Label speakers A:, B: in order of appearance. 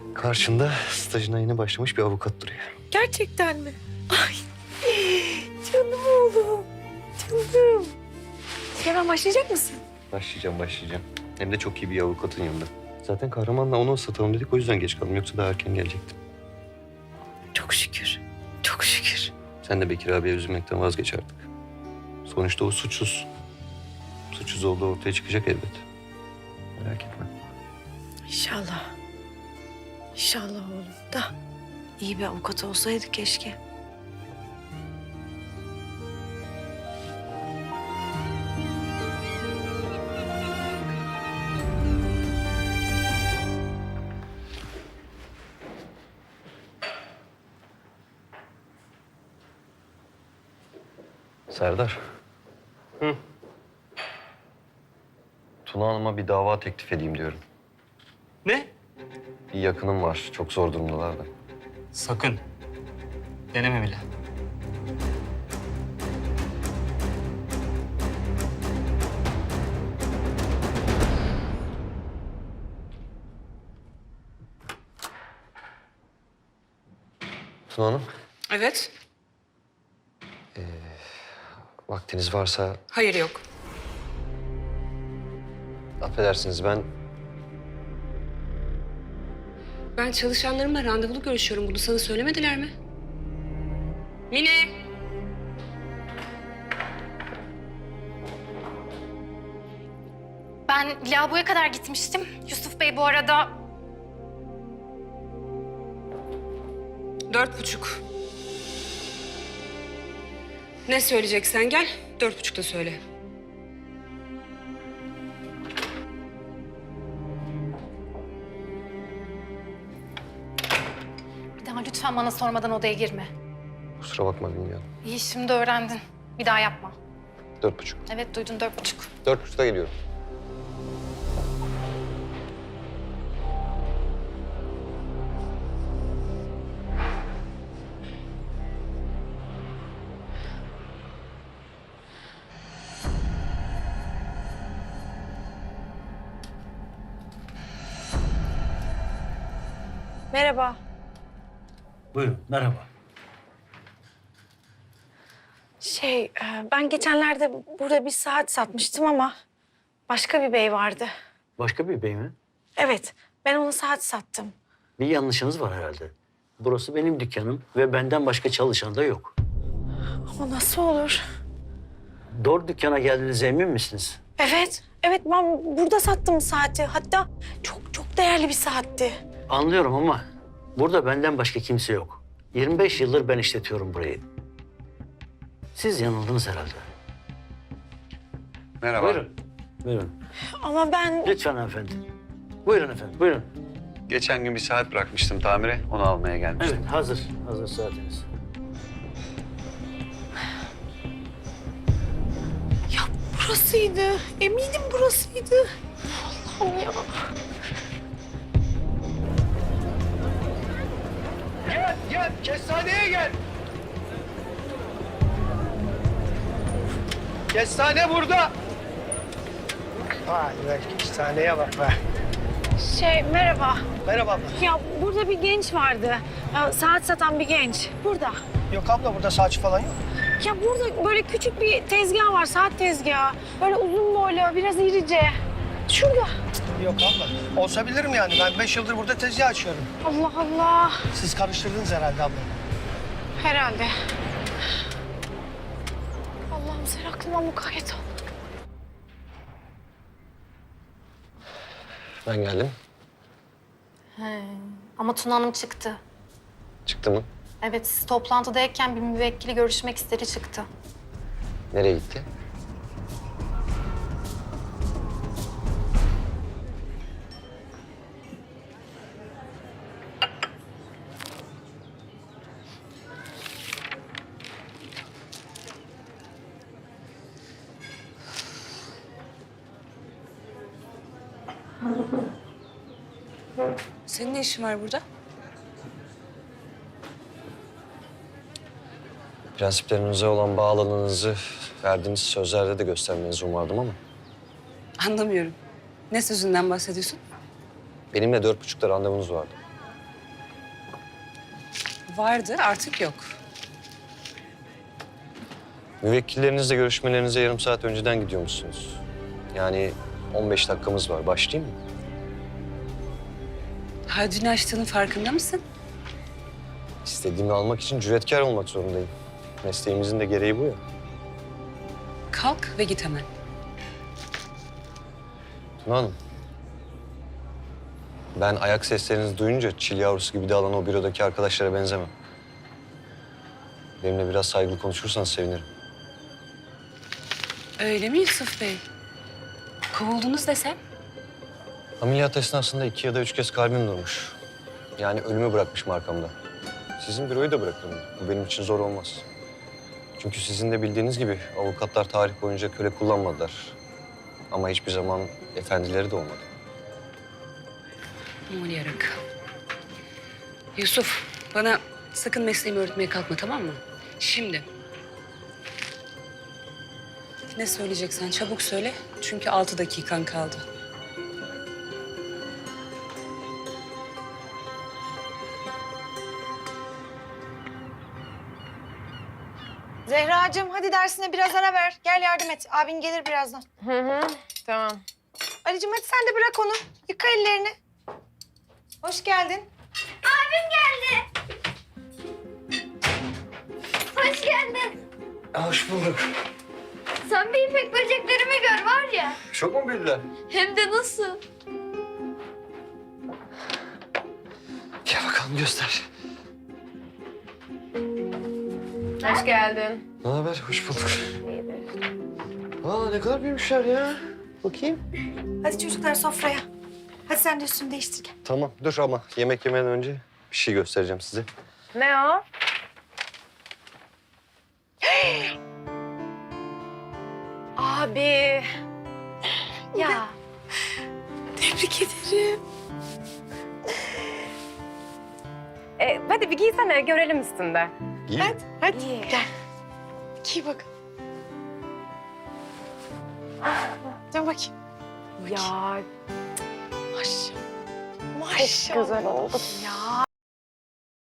A: Karşında stajına yeni başlamış bir avukat duruyor.
B: Gerçekten mi? Ay canım oğlum. Canım. Hemen başlayacak mısın?
A: Başlayacağım. Hem de çok iyi bir avukatın yanında. Zaten Kahraman'la onu ıslatalım dedik, o yüzden geç kaldım. Yoksa daha erken gelecektim.
B: Çok şükür. Çok şükür.
A: Sen de Bekir abiye üzülmekten vazgeç artık. Sonuçta o suçsuz. Suçsuz olduğu ortaya çıkacak elbet. Merak etme.
B: İnşallah. İnşallah oğlum da iyi bir avukat olsaydı keşke.
A: Serdar. Hı. Tuna Hanım'a bir dava teklif edeyim diyorum.
C: Ne?
A: Bir yakınım var. Çok zor durumdalar da.
C: Sakın. Deneme bile.
A: Tuna Hanım,
D: Evet.
A: vaktiniz varsa
D: Hayır yok.
A: affedersiniz ben...
D: Ben çalışanlarımla randevulu görüşüyorum. Bunu sana söylemediler mi? Mine!
E: Ben lavaboya kadar gitmiştim. Yusuf Bey bu arada
D: 4:30. Ne söyleyeceksen gel. 4:30'da söyle.
E: bir daha lütfen bana sormadan odaya girme.
A: Kusura bakma bilmiyorum.
E: İyi şimdi öğrendin. Bir daha yapma.
A: 4:30.
E: Evet duydun 4:30.
A: 4:30'da geliyorum.
B: Merhaba.
F: Buyurun, merhaba.
B: Ben geçenlerde burada bir saat satmıştım ama başka bir bey vardı.
F: Başka bir bey mi?
B: Evet, ben ona saat sattım.
F: Bir yanlışınız var herhalde. Burası benim dükkanım ve benden başka çalışan da yok.
B: O nasıl olur?
F: Doğru dükkana geldiğinize emin misiniz?
B: Evet ben burada sattım saati. Hatta çok değerli bir saatti.
F: Anlıyorum ama burada benden başka kimse yok. 25 yıldır ben işletiyorum burayı. Siz yanıldınız herhalde.
A: Merhaba.
F: Buyurun. Buyurun.
B: Ama ben...
F: Lütfen hanımefendi. Buyurun efendim, buyurun.
A: Geçen gün bir saat bırakmıştım tamire. Onu almaya gelmiştim.
F: Evet, hazır. Hazır saatiniz.
B: Ya burasıydı. Eminim burasıydı. Allah'ım ya.
C: Gel. Kestaneye gel. Kestane burada.
G: Vay be, kestaneye bak be.
B: Merhaba.
G: Merhaba abla.
B: Ya burada bir genç vardı. Ya, saat satan bir genç. Burada.
G: Yok abla, burada saçı falan yok.
B: Ya burada böyle küçük bir tezgah var, saat tezgahı. Böyle uzun boylu, biraz irice. Şurada.
G: Yok abla. Olsa bilirim yani. Ben 5 yıldır burada tezgah açıyorum.
B: Allah Allah.
G: Siz karıştırdınız herhalde abla.
B: Herhalde. Allah'ım sen aklıma mukayyet ol.
A: Ben geldim.
E: Ama Tuna Hanım çıktı.
A: Çıktı mı?
E: Evet siz toplantıdayken bir müvekkili görüşmek istedi çıktı.
A: Nereye gitti?
D: Senin ne işin var burada?
A: Prensiplerinize olan bağlılığınızı verdiğiniz sözlerde de göstermenizi umardım ama...
D: Anlamıyorum. Ne sözünden bahsediyorsun?
A: benimle 4:30'da randevunuz vardı.
D: Vardı, artık yok.
A: Müvekkillerinizle görüşmelerinize yarım saat önceden gidiyormuşsunuz. Yani 15 dakikamız var. Başlayayım mı?
D: Haddini aştığının farkında mısın?
A: İstediğimi almak için cüretkar olmak zorundayım. Mesleğimizin de gereği bu ya.
D: Kalk ve git hemen.
A: Tuna Hanım. Ben ayak seslerinizi duyunca çil yavrusu gibi dağılan o bürodaki arkadaşlara benzemem. Benimle biraz saygılı konuşursanız sevinirim.
D: Öyle mi Yusuf Bey? Kovuldunuz desem?
A: Ameliyat esnasında 2 ya da 3 kez kalbim durmuş. Yani ölümü bırakmışım arkamda. Sizin büroyu da bırakırım. Bu benim için zor olmaz. Çünkü sizin de bildiğiniz gibi avukatlar tarih boyunca köle kullanmadılar. Ama hiçbir zaman efendileri de olmadı.
D: Aman yarak. Yusuf, bana sakın mesleğimi öğretmeye kalkma, tamam mı? Şimdi. Ne söyleyeceksen çabuk söyle. Çünkü 6 dakikan kaldı.
H: Zehracığım hadi dersine biraz ara ver. Gel yardım et. Abin gelir birazdan.
B: Tamam.
H: Ali'cim hadi sen de bırak onu. Yıka ellerini. Hoş geldin.
I: Hoş geldin.
A: Hoş bulduk.
I: Sen bir ipek böceklerimi gör var ya.
A: Çok mu büyüdüler?
I: Hem de nasıl?
A: Gel bakalım göster.
B: Hoş geldin.
A: Ne haber? Hoş bulduk. Aa ne kadar büyümüşler ya. Bakayım.
H: Hadi çocuklar sofraya. Hadi sen de üstünü değiştir gel.
A: Tamam dur ama yemek yemeden önce bir şey göstereceğim size.
B: Ne o? Abi.
H: Ya. Tebrik ederim.
B: Hadi bir giysene görelim üstünde.
A: İyi.
H: Hadi gel. Giy bak. Dön bakayım.
B: Ya
H: Maşallah.
B: çok güzel oldu.
H: Ya.